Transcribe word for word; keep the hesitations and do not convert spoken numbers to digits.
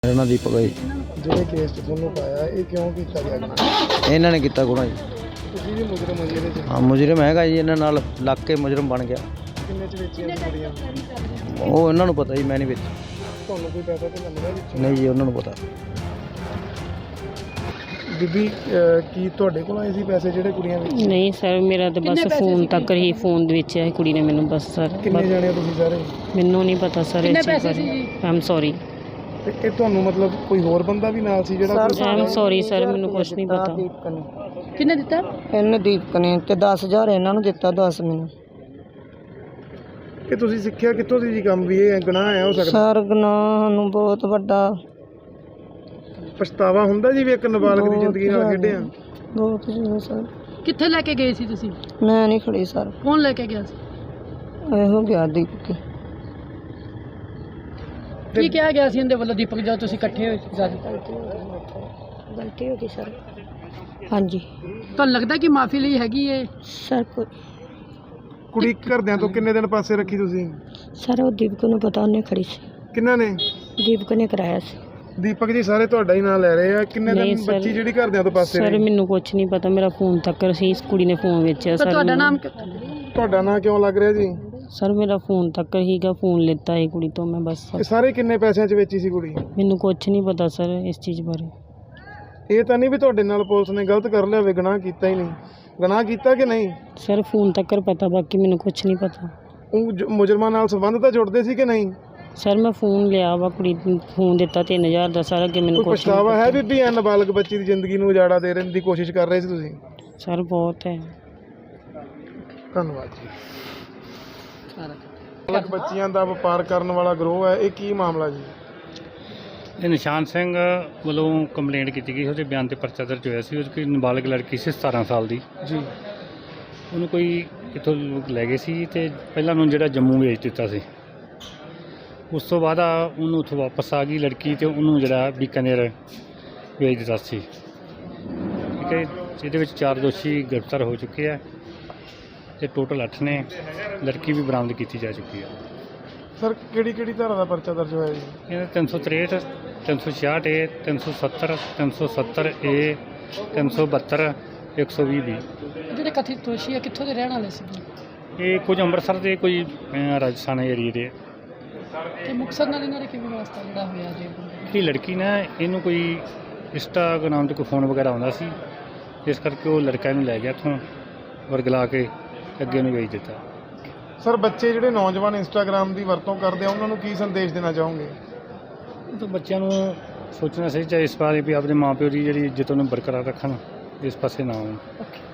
मेरा नाम दीपक है। ਜਿਹੜੇ ਕੇਸ 'ਚ ਤੁਹਾਨੂੰ ਪਾਇਆ ਇਹ ਕਿਉਂ ਕੀਤਾ ਗਿਆ ਜੀ? ਇਹਨਾਂ ਨੇ ਕੀਤਾ ਗੁਨਾਹ ਜੀ। ਤੁਸੀਂ ਵੀ ਮੁਜਰਮ ਹੋ ਜਿਹਦੇ 'ਚ ਹਾਂ ਮੁਜਰਮ ਹੈਗਾ ਜੀ, ਇਹਨਾਂ ਨਾਲ ਲੱਗ ਕੇ ਮੁਜਰਮ ਬਣ ਗਿਆ। ਕਿੰਨੇ 'ਚ ਵੇਚੀਆਂ ਕੁੜੀਆਂ? ਉਹ ਇਹਨਾਂ ਨੂੰ ਪਤਾ ਜੀ, ਮੈਂ ਨਹੀਂ ਵਿੱਚ। ਤੁਹਾਨੂੰ ਕੋਈ ਪੈਸਾ ਤੇ ਮਿਲਦਾ ਵਿੱਚ? ਨਹੀਂ ਜੀ, ਉਹਨਾਂ ਨੂੰ ਪਤਾ। ਬੀਬੀ ਅਹ, ਕੀ ਤੁਹਾਡੇ ਕੋਲ ਆਏ ਸੀ ਪੈਸੇ ਜਿਹੜੇ ਕੁੜੀਆਂ ਵਿੱਚ? ਨਹੀਂ ਸਰ, ਮੇਰਾ ਤਾਂ ਬਸ ਫੋਨ ਤੱਕ ਹੀ ਫੋਨ ਦੇ ਵਿੱਚ ਹੈ ਕੁੜੀ ਨੇ ਮੈਨੂੰ ਬਸ ਸਰ। ਕਿੰਨੇ ਜਾਣੇ ਹੋ ਤੁਸੀਂ ਸਾਰੇ? ਮੈਨੂੰ ਨਹੀਂ ਪਤਾ ਸਰ ਇਸ ਚੀਜ਼ ਬਾਰੇ। ਆਮ ਸੌਰੀ ਤੇ ਇਹ ਤੁਹਾਨੂੰ ਮਤਲਬ ਕੋਈ ਹੋਰ ਬੰਦਾ ਵੀ ਨਾਲ ਸੀ ਜਿਹੜਾ? ਆਮ ਸੌਰੀ ਸਰ, ਮੈਨੂੰ ਕੁਛ ਨਹੀਂ ਪਤਾ। ਕਿੰਨੇ ਦਿੱਤਾ? ਇਹਨੇ ਦੀਪਕ ਨੇ ਤੇ ਦਸ ਹਜ਼ਾਰ ਇਹਨਾਂ ਨੂੰ ਦਿੱਤਾ, ਦਸ ਮੈਨੂੰ। ਇਹ ਤੁਸੀਂ ਸਿੱਖਿਆ ਕਿੱਥੋਂ ਸੀ ਜੀ ਕੰਮ ਵੀ ਇਹ ਗੁਨਾਹ ਹੈ ਹੋ ਸਕਦਾ? ਸਰ ਗੁਨਾਹ ਨੂੰ ਬਹੁਤ ਵੱਡਾ ਪਛਤਾਵਾ ਹੁੰਦਾ ਜੀ ਵੀ ਇੱਕ ਨਾਬਾਲਗ ਦੀ ਜ਼ਿੰਦਗੀ ਨਾਲ ਖੇਡਿਆ? ਬਹੁਤ ਜ਼ਿਆਦਾ ਸਰ। ਕਿੱਥੇ ਲੈ ਕੇ ਗਏ ਸੀ ਤੁਸੀਂ? ਮੈਂ ਨਹੀਂ ਖੜੀ ਸਰ, ਕੌਣ ਲੈ ਕੇ ਗਿਆ ਸੀ? ਇਹੋ ਗਿਆ ਦੀਪਕ। ਕੀ ਕਿਹਾ ਗਿਆ ਸੀ ਇਹਦੇ ਵੱਲੋਂ ਦੀਪਕ ਜਦੋਂ ਤੁਸੀਂ ਇਕੱਠੇ ਹੋਏ ਸੀ ਸਾਰੇ? ਗਲਤੀ ਹੋ ਗਈ ਸਰ। ਹਾਂਜੀ ਤੁਹਾਨੂੰ ਲੱਗਦਾ ਕਿ ਮਾਫੀ ਲਈ ਹੈਗੀ ਏ? ਸਰ ਕੋਈ ਕੁੜੀ ਘਰਦਿਆਂ ਤੋਂ ਕਿੰਨੇ ਦਿਨ ਪਾਸੇ ਰੱਖੀ ਤੁਸੀਂ? ਸਰ ਉਹ ਦੀਪਕ ਨੂੰ ਪਤਾ, ਉਹਨੇ ਖੜੀ ਸੀ। ਕਿੰਨਾਂ ਨੇ? ਦੀਪਕ ਨੇ ਕਰਾਇਆ ਸੀ। ਦੀਪਕ ਜੀ ਸਾਰੇ ਤੁਹਾਡਾ ਹੀ ਨਾਂ ਲੈ ਰਹੇ ਆ। ਕਿੰਨੇ ਨਹੀਂ ਦਿਨ ਸਰ। ਬੱਚੀ ਜਿਹੜੀ ਘਰਦਿਆਂ ਤੋਂ ਪਾਸੇ ਸਰ ਰਹੀ? ਮੈਨੂੰ ਕੁਛ ਨਹੀਂ ਪਤਾ, ਮੇਰਾ ਫੋਨ ਤੱਕ ਸੀ, ਇਸ ਕੁੜੀ ਨੇ ਫੋਨ ਵੇਚਿਆ ਤਾਂ ਸਰ। ਤੁਹਾਡਾ ਨਾਮ ਤੁਹਾਡਾ ਨਾਂ ਕਿਉਂ ਲੱਗ ਰਿਹਾ ਜੀ? ਸਰ ਮੇਰਾ ਫੋਨ ਤੱਕ ਹੀਗਾ, ਫੋਨ ਲਿੱਤਾ ਇਹ ਕੁੜੀ ਤੋਂ ਮੈਂ ਬਸ। ਇਹ ਸਾਰੇ ਕਿੰਨੇ ਪੈਸਿਆਂ 'ਚ ਵੇਚੀ ਸੀ ਕੁੜੀ? ਮੈਨੂੰ ਕੁਛ ਨਹੀਂ ਪਤਾ ਸਰ ਇਸ ਚੀਜ਼ ਬਾਰੇ। ਇਹ ਤਾਂ ਨਹੀਂ ਵੀ ਤੁਹਾਡੇ ਨਾਲ ਪੁਲਿਸ ਨੇ ਗਲਤ ਕਰ ਲਿਆ ਹੋਵੇ, ਗੁਨਾਹ ਕੀਤਾ ਹੀ ਨਹੀਂ? ਗੁਨਾਹ ਕੀਤਾ ਕਿ ਨਹੀਂ? ਸਰ ਫੋਨ ਤੱਕ ਪਤਾ, ਬਾਕੀ ਮੈਨੂੰ ਕੁਛ ਨਹੀਂ ਪਤਾ। ਉਹ ਜ- ਮੁਜਰਮਾਂ ਨਾਲ ਸੰਬੰਧ ਤਾਂ ਜੁੜਦੇ ਸੀ ਕਿ ਨਹੀਂ? ਸਰ ਮੈਂ ਫੋਨ ਲਿਆ ਵਾ, ਕੁੜੀ ਨੂੰ ਫੋਨ ਦਿੱਤਾ ਤਿੰਨ ਹਜ਼ਾਰ ਦਾ ਸਰ, ਅੱਗੇ ਮੈਨੂੰ ਕੋਈ ਕੁਛ ਨਹੀਂ ਪਛਤਾਵਾ ਹੈ ਪਤਾ। ਬੀਬੀ ਐ ਨਾਬਾਲਗ ਬੱਚੀ ਦੀ ਜ਼ਿੰਦਗੀ ਨੂੰ ਉਜਾੜਾ ਦੇ ਰਹਿਣ ਦੀ ਕੋਸ਼ਿਸ਼ ਕਰ ਰਹੇ ਸੀ ਤੁਸੀਂ? ਸਰ ਬਹੁਤ ਹੈ। ਧੰਨਵਾਦ ਜੀ। ਨਾਬਾਲਗ ਬੱਚੀਆਂ ਦਾ ਵਪਾਰ ਕਰਨ ਵਾਲਾ ਗਰੋਹ ਹੈ, ਇਹ ਕੀ ਮਾਮਲਾ ਜੀ? ਇਹ ਨਿਸ਼ਾਨ ਸਿੰਘ ਵੱਲੋਂ ਕੰਪਲੇਂਟ ਕੀਤੀ ਗਈ, ਉਹਦੇ ਬਿਆਨ ਤੇ ਪਰਚਾ ਦਰਜ ਹੋਇਆ ਸੀ। ਉਹ ਕੋਈ ਨਾਬਾਲਗ ਲੜਕੀ ਸੀ ਸਤਾਰਾਂ ਸਾਲ ਦੀ। ਜੀ ਉਹਨੂੰ ਕੋਈ ਇੱਥੋਂ ਲੋਕ ਲੈ ਗਏ ਸੀ ਤੇ ਪਹਿਲਾਂ ਉਹਨੂੰ ਜਿਹੜਾ ਜੰਮੂ ਵੇਚ ਦਿੱਤਾ ਸੀ। ਉਸ ਤੋਂ ਬਾਅਦ ਆ ਉਹਨੂੰ ਉੱਥੋਂ ਵਾਪਸ ਆ ਗਈ ਲੜਕੀ ਤੇ ਉਹਨੂੰ ਜਿਹੜਾ ਬੀਕਾਨੇਰ ਵੇਚ ਦਿੱਤਾ ਸੀ। ਠੀਕ ਹੈ, ਇਹਦੇ ਵਿੱਚ ਚਾਰ ਦੋਸ਼ੀ ਗ੍ਰਿਫਤਾਰ ਹੋ ਚੁੱਕੇ ਆ ਤੇ ਟੋਟਲ ਅੱਠ ਨੇ। ਲੜਕੀ ਵੀ ਬਰਾਮਦ ਕੀਤੀ ਜਾ ਚੁੱਕੀ ਹੈ। ਸਰ ਕਿਹੜੀ ਕਿਹੜੀ ਧਾਰਾ ਦਾ ਪਰਚਾ ਦਰਜ ਹੋਇਆ ਜੀ? ਇਹਨਾਂ ਤਿੰਨ ਸੌ ਤਰੇਹਠ, ਤਿੰਨ ਸੌ ਛਿਆਹਠ ਏ, ਤਿੰਨ ਸੌ ਸੱਤਰ, ਤਿੰਨ ਸੌ ਸੱਤਰ ਏ, ਤਿੰਨ ਸੌ ਬਹੱਤਰ, ਇੱਕ ਸੌ ਵੀਹ ਵੀ। ਜਿਹੜੇ ਕਥਿਤ ਦੋਸ਼ੀ ਆ ਕਿੱਥੋਂ ਦੇ ਰਹਿਣ ਵਾਲੇ ਸੀ? ਇਹ ਕੁਝ ਅੰਮ੍ਰਿਤਸਰ ਦੇ, ਕੋਈ ਅਹ, ਰਾਜਸਥਾਨ ਏਰੀਏ ਦੇ। ਤੇ ਮੁਕਤਸਰ ਨਾਲ ਇਹਨਾਂ ਦਾ ਕਿਵੇਂ ਵਾਸਤਾ ਜਿਹੜਾ ਹੋਇਆ ਜੀ? ਜਿਹੜੀ ਲੜਕੀ ਨਾ, ਇਹਨੂੰ ਕੋਈ ਇੰਸਟਾਗ੍ਰਾਮ 'ਤੇ ਕੋਈ ਫੋਨ ਵਗੈਰਾ ਆਉਂਦਾ ਸੀ, ਇਸ ਕਰਕੇ ਉਹ ਲੜਕਾ ਇਹਨੂੰ ਲੈ ਗਿਆ ਇੱਥੋਂ, ਵਰਗਲਾ ਕੇ ਅੱਗੇ ਇਹਨੂੰ ਵੇਚ ਦਿੱਤਾ। ਸਰ ਬੱਚੇ ਜਿਹੜੇ ਨੌਜਵਾਨ ਇੰਸਟਾਗ੍ਰਾਮ ਦੀ ਵਰਤੋਂ ਕਰਦੇ ਆ ਉਹਨਾਂ ਨੂੰ ਕੀ ਸੰਦੇਸ਼ ਦੇਣਾ ਚਾਹੋਗੇ? ਉਹ ਤਾਂ ਬੱਚਿਆਂ ਨੂੰ ਸੋਚਣਾ ਚਾਹੀਦਾ ਇਸ ਬਾਰੇ ਵੀ ਆਪਣੇ ਮਾਂ ਪਿਓ ਦੀ ਜਿਹੜੀ ਇੱਜ਼ਤ ਉਹਨੂੰ ਬਰਕਰਾਰ ਰੱਖਣ, ਇਸ ਪਾਸੇ ਨਾ ਆਉਣ।